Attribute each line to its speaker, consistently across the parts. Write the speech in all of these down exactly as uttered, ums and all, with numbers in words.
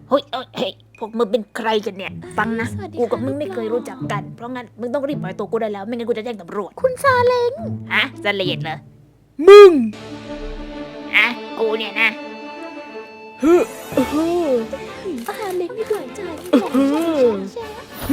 Speaker 1: เฮ้ยเอ้ยเฮ้ยพวกมึงเป็นใครกันเนี่ยฟังนะ
Speaker 2: สวัสดี
Speaker 1: กูกับ
Speaker 2: ค่ะ
Speaker 1: มึงไม่
Speaker 2: ลูก
Speaker 1: เคย
Speaker 2: หล่อ
Speaker 1: รู้จักกันเพราะงั้นมึงต้องรีบปล่อยตัวกูได้แล้วไม่งั้นกูจะแจ้งตำรวจ
Speaker 2: คุณซาเล้ง
Speaker 1: ฮะสเลดเหรอ
Speaker 3: มึง
Speaker 1: ฮะกูเนี่ยนะ
Speaker 3: เฮ้อเฮ้อ
Speaker 2: ซาเล้งนี่ด้วยใจหลง
Speaker 3: เออ
Speaker 2: ใช่ใช่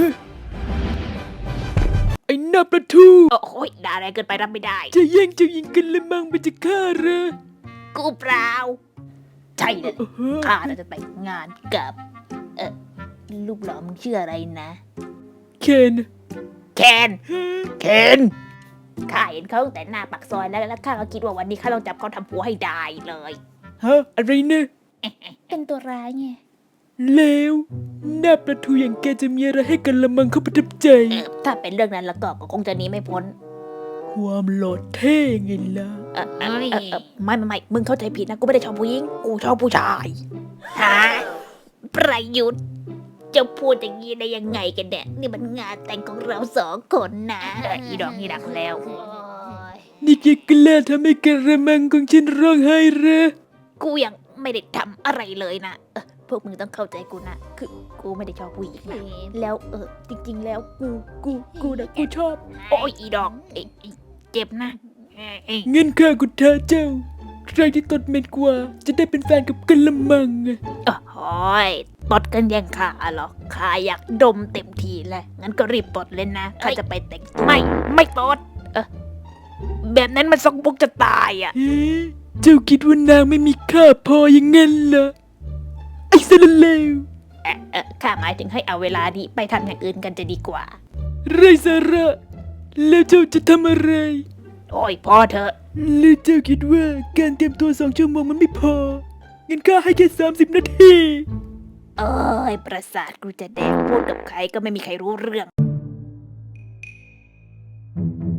Speaker 3: ไอ้หน้าประทู
Speaker 1: โอ้โหยด่าแรงเกินไปรับไม่ได้
Speaker 3: จะแย่งเจ้าหญิงกันละมังไปจะฆ่าเหรอ
Speaker 1: กูเปล่าใช่เลย
Speaker 3: เฮ้อ
Speaker 1: ข้าน่าจะแต่งงานกับ เออลูกหล่อมึงชื่ออะไรนะ
Speaker 3: เคน
Speaker 1: แคนเคนข้าเห็นเขาตั้งแต่หน้าปากซอยแล้วแล้วข้าก็คิดว่าวันนี้ข้าต้องจับเขาทำผัวให้ได้เลย
Speaker 3: ฮะอะไรเนี่ย
Speaker 2: เป็นตัวร้ายไง
Speaker 3: เลวหน้าประทูอย่างแกจะมีอะไรให้กันละมังเขาประทับใจ
Speaker 1: เออถ้าเป็นเรื่องนั้นแล้วก็ก็คงจะหนีไม่พ้น
Speaker 3: ความหล่อเท่ไงล่ะ
Speaker 1: เออเออเออเออไม่ไม่ไม่มึงเข้าใจผิดนะกูไม่ได้ชอบผู้หญิงกูชอบผู้ชายฮะประยุทธ์จะพูดอย่างนี้ได้ยังไงกันเนี่ยนี่มันงานแต่งของเราสองคนนะเอออีดอกนี่ดักแล้ว
Speaker 3: นี่แกกล้าทำให้กันละมังของฉันร้องไห้เหรอ
Speaker 1: กูยังไม่ได้ทำอะไรเลยนะเออพวกมึงต้องเข้าใจกูนะคือกูไม่ได้ชอบผู้หญิงนะแล้วเออจริง ๆ แล้วกูกูกูนะกูชอบ โอ้ยอีดอกเอ้ยเอ้ยเจ็บนะเอ้ยเอ้ย
Speaker 3: เงินข้ากุท้าเจ้า ใครที่ตดเหม็นกว่า จะได้เป็นแฟนกับกันละมังอะ
Speaker 1: โอ้ยตดกันยังขาเหรอข้าอยากดมเต็มทีแล้วงั้นก็รีบตดเลยนะข้าจะไปแต่งไม่ไม่ตดเออแบบนั้นมันสกปรกจะตายอ่ะ
Speaker 3: เอ๊ะเจ้าคิดว่านางไม่มีค่าพออย่างงั้นเหรอ ไอ้สารเลว
Speaker 1: เออเออข้าหมายถึงให้เอาเวลานี้ไปทำอย่างอื่นกันจะดีกว่า
Speaker 3: ไรสาระ แล้วเจ้าจะทำอะไร
Speaker 1: โอ้ยพอเถอะ
Speaker 3: หรือเจ้าคิดว่าการเตรียมตัวสองชั่วโมงมันไม่พอ งั้นข้าให้แค่สามสิบนาที
Speaker 1: เอ้ยประสาทกูจะแดงพูดกับใครก็ไม่มีใครรู้เรื่อง